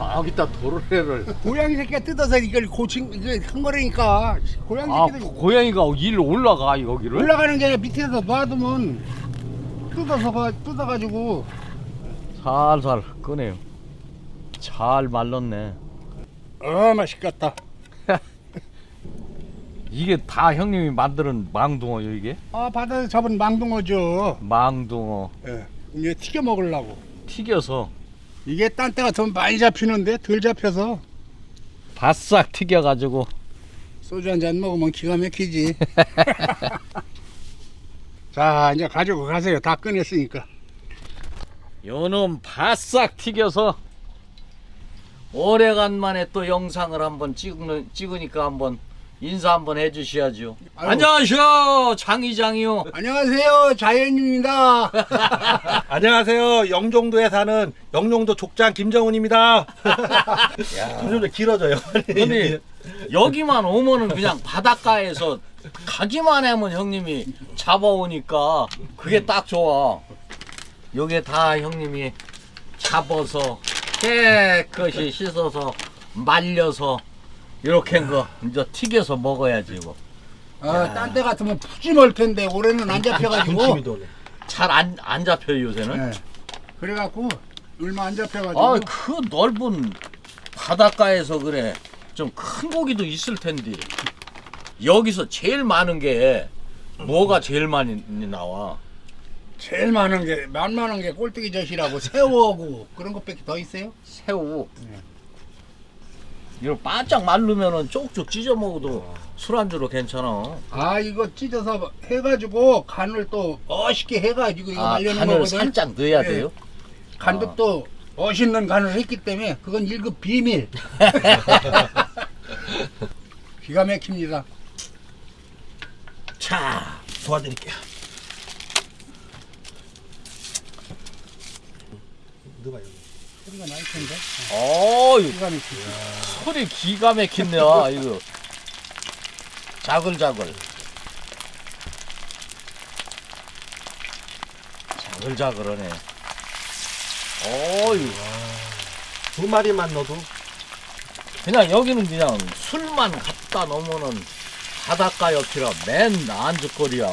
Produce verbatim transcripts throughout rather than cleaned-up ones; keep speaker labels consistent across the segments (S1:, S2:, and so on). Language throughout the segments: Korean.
S1: 저기다 도르래를.
S2: 고양이 새끼가 뜯어서 이걸 고친 이게 한 거라니까. 고양이
S1: 아,
S2: 새끼들
S1: 고양이가 일로 올라가 여기를?
S2: 올라가는 게 아니라 밑에서 놔두면 뜯어서 가 뜯어가지고.
S1: 살살 꺼내요. 잘 말랐네.
S2: 아 맛있겠다.
S1: 이게 다 형님이 만드는 망둥어요 이게?
S2: 아 바다에서 잡은 망둥어죠.
S1: 망둥어
S2: 예. 이제 튀겨 먹으려고.
S1: 튀겨서
S2: 이게 딴 때 같으면 많이 잡히는데 덜 잡혀서
S1: 바싹 튀겨가지고
S2: 소주 한 잔 먹으면 기가 막히지. 자 이제 가지고 가세요. 다 꺼냈으니까.
S1: 요놈 바싹 튀겨서 오래간만에 또 영상을 한번 찍는, 찍으니까 한번 인사 한번 해주셔야죠.
S2: 아유.
S1: 안녕하세요 장이장이요.
S2: 안녕하세요 자연입니다.
S3: 안녕하세요. 영종도에 사는 영종도 족장 김정훈입니다. 점점 길어져요.
S1: 근데 여기만 오면은 그냥 바닷가에서 가기만 하면 형님이 잡아오니까 그게 딱 좋아. 요게 다 형님이 잡아서 깨끗이 씻어서 말려서 이렇게 한 거 이제 튀겨서 먹어야지 뭐.
S2: 아, 딴 때 같으면 푸짐할 텐데 올해는 안 잡혀가지고.
S3: 군침이 도네.
S1: 잘 안 안 잡혀요 요새는.
S2: 네. 그래갖고 얼마 안 잡혀가지고.
S1: 아 그 넓은 바닷가에서 그래 좀 큰 고기도 있을 텐데 여기서 제일 많은 게 뭐가 제일 많이 나와?
S2: 제일 많은 게 만만한 게 꼴뚜기 젓이라고 새우하고 그런 것밖에 더 있어요?
S1: 새우.
S2: 네.
S1: 이거 바짝 말르면은 쪽쪽 찢어 먹어도 술안주로 괜찮아.
S2: 아 이거 찢어서 해가지고 간을 또 멋있게 해가지고 이거
S1: 아,
S2: 말려는
S1: 간을
S2: 거거든.
S1: 살짝 넣어야
S2: 네.
S1: 돼요?
S2: 간도
S1: 아.
S2: 또 멋있는 간을 했기 때문에 그건 일급 비밀. 기가 막힙니다.
S1: 자,
S3: 도와드릴게요. 넣어봐요.
S2: 소리가 날 텐데.
S1: 어유
S2: 기가 막히지.
S1: 소리 기가 막힌네 이거. 자글자글. 자글자글하네. 어유.
S3: 두 마리만 넣어도
S1: 그냥 여기는 그냥 술만 갖다 놓으면은 바닷가 옆이라 맨 안주거리야.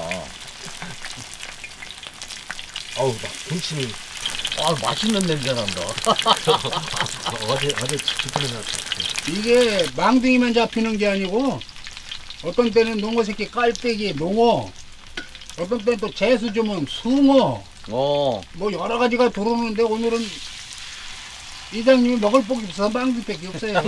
S3: 어우 막 군침이
S1: 아 맛있는 냄새 난다.
S3: 어제 어제 집에서
S2: 이게 망둥이만 잡히는 게 아니고 어떤 때는 농어 새끼 깔때기, 농어, 어떤 때는 또 재수 주면 숭어,
S1: 어.
S2: 뭐 여러 가지가 들어오는데 오늘은 이장님이 먹을 복이 없어서 망둥이밖에 없어요.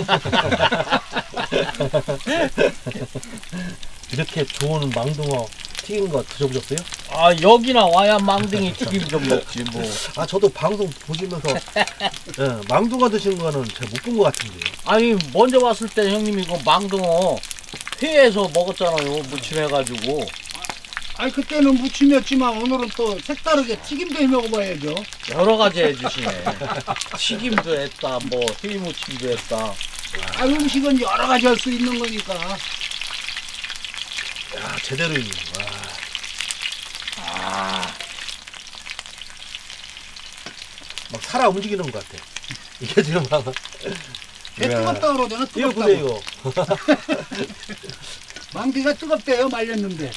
S3: 이렇게 좋은 망둥어 튀긴 거 드셔보셨어요?
S1: 아 여기나 와야 망둥이 튀김 좀 먹지 뭐.
S3: 아 저도 방송 보시면서 예, 망둥어 드신 거는 제가 못 본 것 같은데요.
S1: 아니 먼저 왔을 때 형님 이거 망둥어 회에서 먹었잖아요. 무침해가지고.
S2: 아니 그때는 무침이었지만 오늘은 또 색다르게 튀김도 해 먹어봐야죠.
S1: 여러 가지 해주시네. 튀김도 했다, 뭐 회무침도 했다.
S2: 아 음식은 여러 가지 할 수 있는 거니까.
S3: 야 제대로 있네. 와.
S1: 아,
S3: 막 살아 움직이는 것 같아. 이게 지금 막
S2: 왜 뜨겁다 그러잖아.
S3: 이거
S2: 뜨겁다고.
S3: 보세요 이거.
S2: 망둥이가 뜨겁대요 말렸는데.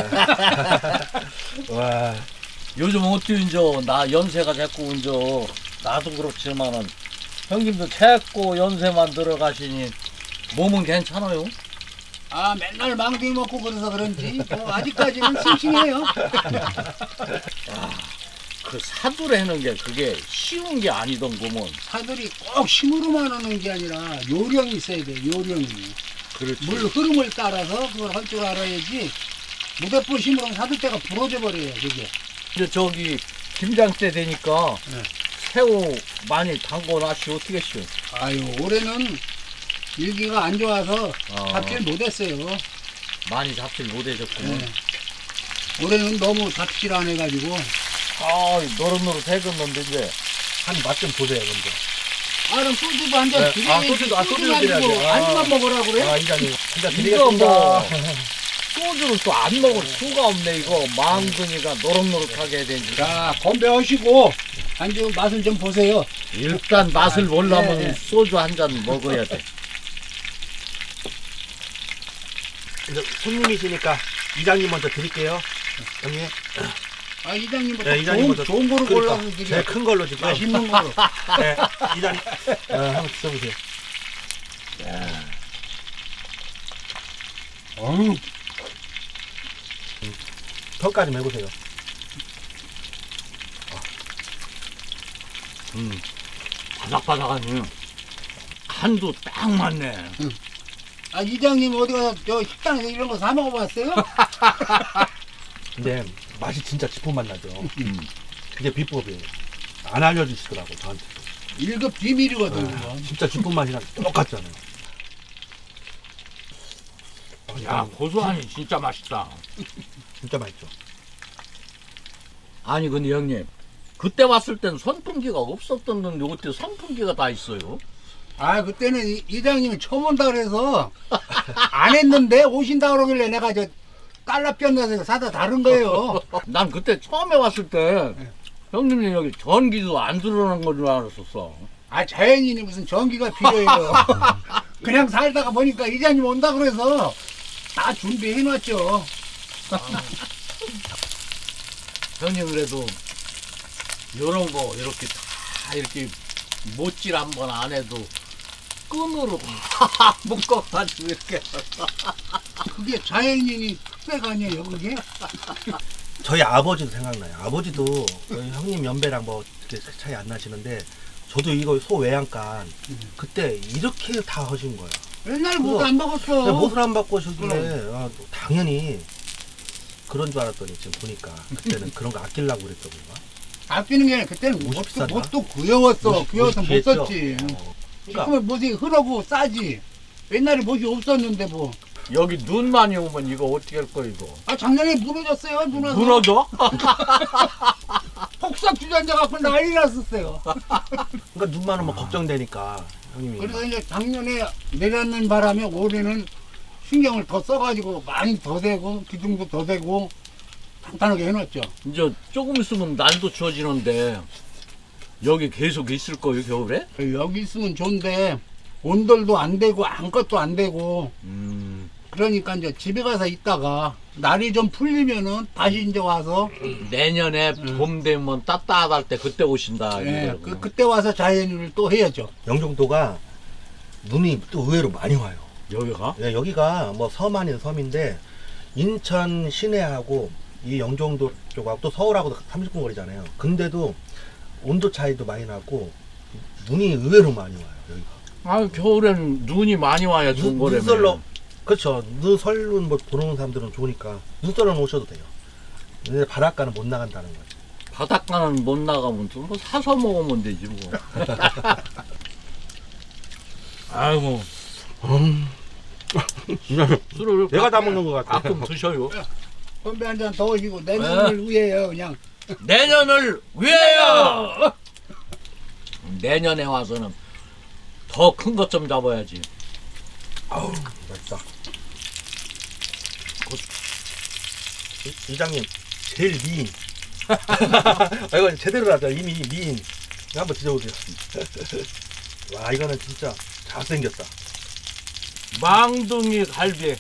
S3: 와.
S1: 요즘 어떻게 이제 나 연세가 자꾸 이제 나도 그렇지만은 형님도 자꾸 연세만 들어가시니 몸은 괜찮아요?
S2: 아 맨날 망둥이 먹고 그래서 그런지 뭐 아직까지는 싱싱해요.
S1: 그 사두라는 게 그게 쉬운 게 아니던 거면.
S2: 사들이 꼭 힘으로만 하는 게 아니라 요령이 있어야 돼. 요령이.
S1: 그렇지.
S2: 물 흐름을 따라서 그걸 할 줄 알아야지. 무대포 힘으로는 사들 때가 부러져 버려요. 그게.
S1: 이제 저기 김장 때 되니까
S2: 네.
S1: 새우 많이 담궈 놨시 어떻게 쉬워?
S2: 아유 올해는 일기가 안 좋아서
S1: 아.
S2: 잡질 못했어요.
S1: 많이 잡질 못하셨구나.
S2: 네. 올해는 너무 잡질 안 해가지고.
S1: 아, 노릇노릇 해줬는데 이제.
S3: 한 맛 좀 보세요 먼저.
S2: 아 그럼 소주도 한잔
S3: 네.
S2: 드려야지.
S3: 아, 소주도- 아, 소주를
S2: 소주만
S3: 드려야지.
S2: 주고
S3: 아.
S2: 안주만 먹으라고 그래?
S3: 아 이장님 진짜
S1: 이거
S3: 드리겠습니다.
S1: 뭐 소주를 또 안 먹을 수가 없네 이거. 망둥이가 노릇노릇하게 해야 되지.
S2: 자, 건배하시고 안주 맛을 좀 보세요.
S1: 일단 맛을 보려면
S2: 네.
S1: 소주 한 잔 먹어야 돼.
S3: 이제 손님이시니까 이장님 먼저 드릴게요. 형님.
S2: 아, 이장님부터
S3: 네, 이장님
S2: 좋은,
S3: 먼저.
S2: 좋은 거로
S3: 그러니까
S2: 골라서 드려.
S3: 제일 큰 걸로 지금.
S2: 맛있는 거로.
S3: 네, 이장님. 어, 한번 드셔보세요.
S2: 어우,
S3: 턱까지 매보세요.
S1: 음, 바삭바삭하니 간도 딱 맞네.
S2: 아, 이장님 어디 가서 저 식당에서 이런 거 사 먹어봤어요?
S3: 근데 맛이 진짜 지포맛 나죠.
S1: 음.
S3: 그게 비법이에요. 안 알려주시더라고 저한테.
S2: 일급 비밀이거든, 그거.
S3: 진짜 지포 맛이랑 똑같잖아요. 어,
S1: 야, 고소하니 진짜 맛있다.
S3: 진짜 맛있죠.
S1: 아니 근데 형님, 그때 왔을 땐 선풍기가 없었던데 어떻게 선풍기가 다 있어요?
S2: 아, 그때는 이, 이장님이 처음 온다 그래서 안 했는데 오신다 그러길래 내가 저 달러 뼈내서 사다 다른 거예요.
S1: 난 그때 처음에 왔을 때 형님이 여기 전기도 안 들어오는 건 줄 알았었어.
S2: 아, 자연인이 무슨 전기가 필요해요. 그냥 살다가 보니까 이장님 온다 그래서 다 준비해 놨죠.
S1: 형님 그래도 이런 거 이렇게 다 이렇게 못질 한 번 안 해도 끈으로 다 묶어가지고 이렇게.
S2: 그게 자연인이 특색 아니에요, 그게?
S3: 저희 아버지도 생각나요. 아버지도 저희 형님 연배랑 뭐 그렇게 차이 안 나시는데 저도 이거 소 외양간 그때 이렇게 다 하신 거예요.
S2: 옛날에 못 안 먹었어.
S3: 근데 못을 안 받고 하셨길래 아, 당연히 그런 줄 알았더니 지금 보니까 그때는 그런 거 아끼려고 그랬던 건가?
S2: 아끼는 게 아니라 그때는
S3: 옷이
S2: 뭣도,
S3: 비쌌나?
S2: 뭣도 구여웠어.
S3: 옷이-
S2: 구여워서
S3: 옷이
S2: 못
S3: 귀했죠?
S2: 썼지.
S3: 어. 그러니까
S2: 지금은 못이 흐르고 싸지. 옛날에 못이 없었는데 뭐.
S1: 여기 눈 많이 오면 이거 어떻게 할 거야 이거?
S2: 아, 작년에 무너졌어요, 누나서.
S1: 무너져?
S2: 폭삭 주전자 갖고 난리 났었어요.
S3: 그러니까 눈만 오면 걱정되니까 형님이
S2: 그래서 이제 작년에 내렸는 바람에 올해는 신경을 더 써가지고 많이 더 대고 기둥도 더 대고 탄탄하게 해놨죠.
S1: 이제 조금 있으면 날도 추워지는데 여기 계속 있을 거예요 겨울에?
S2: 여기 있으면 좋은데 온돌도 안 되고 아무것도 안 되고
S1: 음,
S2: 그러니까 이제 집에 가서 있다가 날이 좀 풀리면은 다시 이제 와서
S1: 내년에
S2: 음.
S1: 봄 되면 따뜻할 때 그때 오신다.
S2: 예,
S1: 이거구나.
S2: 그, 그때 와서 자연인을 또 해야죠.
S3: 영종도가 눈이 또 의외로 많이 와요.
S1: 여기가?
S3: 예, 여기가 뭐 섬 아닌 섬인데 인천 시내하고 이 영종도 쪽하고 또 서울하고도 삼십 분 거리잖아요. 근데도 온도 차이도 많이 나고 눈이 의외로 많이 와요. 여기가.
S1: 아 겨울엔 눈이 많이 와야 좋은
S3: 눈,
S1: 거라며.
S3: 눈썰러 그렇죠. 눈설은 뭐 보는 사람들은 좋으니까 눈썰러 오셔도 돼요. 근데 바닷가는 못 나간다는 거죠.
S1: 바닷가는 못 나가면 좀 뭐 사서 먹으면 되지 뭐. 아이고
S3: 음.
S1: 술을
S3: 내가 다
S1: 가끔-
S3: 먹는 것 같아.
S1: 가끔 드셔요.
S2: 건배 한 잔 더 하시고 내년을 위해요 그냥.
S1: 내년을 위하여. 내년에 와서는 더 큰 것 좀 잡아야지.
S3: 아우 맛있다. 이- 이장님 제일 미인. 아, 이거 제대로 하자. 이미 미인. 이거 한번 드셔보세요. 와 이거는 진짜 잘생겼다.
S1: 망둥이 갈비.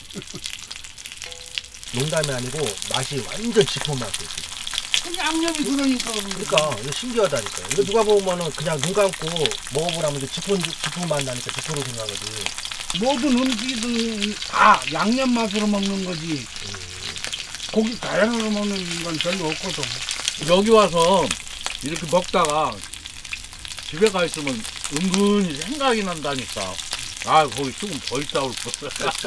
S3: 농담이 아니고 맛이 완전 짙은 맛이에요.
S2: 그 양념이 그러니까
S3: 그러니까 이거 신기하다니까요. 이거 누가 보면은 그냥 눈 감고 먹어보라면 이제 짚은 짚은 맛 나니까 짚으로 생각하지.
S2: 모든 음식은 다 양념 맛으로 먹는 거지. 고기 다양으로 먹는 건 별로 없거든.
S1: 여기 와서 이렇게 먹다가 집에 가 있으면 은근히 생각이 난다니까. 아 거기 조금 더 있다 올 거.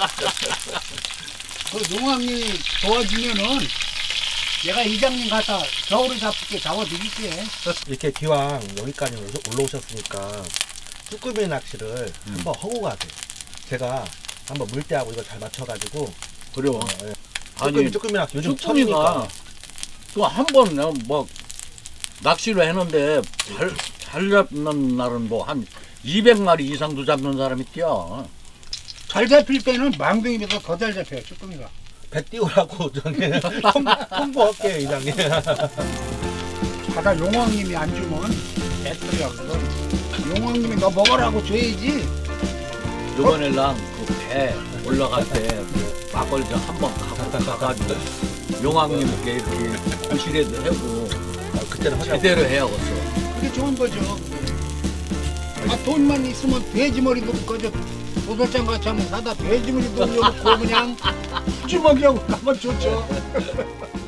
S2: 그 농학이 도와주면은 내가 이장님 갖다 겨울에 잡게 잡아드릴게.
S3: 이렇게 기왕 여기까지 올라- 올라오셨으니까 쭈꾸미 낚시를
S1: 음.
S3: 한번 하고 가세요. 제가 한번 물때하고 이거 잘 맞춰가지고
S1: 그래요.
S3: 어, 예.
S1: 아니
S3: 쭈꾸미 쭈꾸미 낚시 요즘
S1: 쭈꾸미가
S3: 철이니까
S1: 또 한 번 뭐 낚시를 했는데 잘, 잘 잡는 날은 뭐 한 이백 마리 이상도 잡는 사람이 뛰어.
S2: 잘 잡힐 때는 망둥이보다 더 잘 잡혀요, 쭈꾸미가.
S3: 배 띄우라고 저기 통보할게요 이장님.
S2: 바다 용왕님이 안 주면 배터리가 그거. 용왕님이 너 먹으라고 줘야지.
S1: 요번에랑 그 배 올라갈 때그 막걸리 좀 한번 가고 가가지고 용왕님께 이렇게 부실에도 하고
S3: 아, 그때는 하자고.
S1: 제대로 해야겠어.
S2: 그게 좋은 거죠. 아 돈만 있으면 돼지머리도 그저 도살장 같이 한번 사다 돼지머리도 올려놓고 그냥 푸짐하게 하고 가면 좋죠.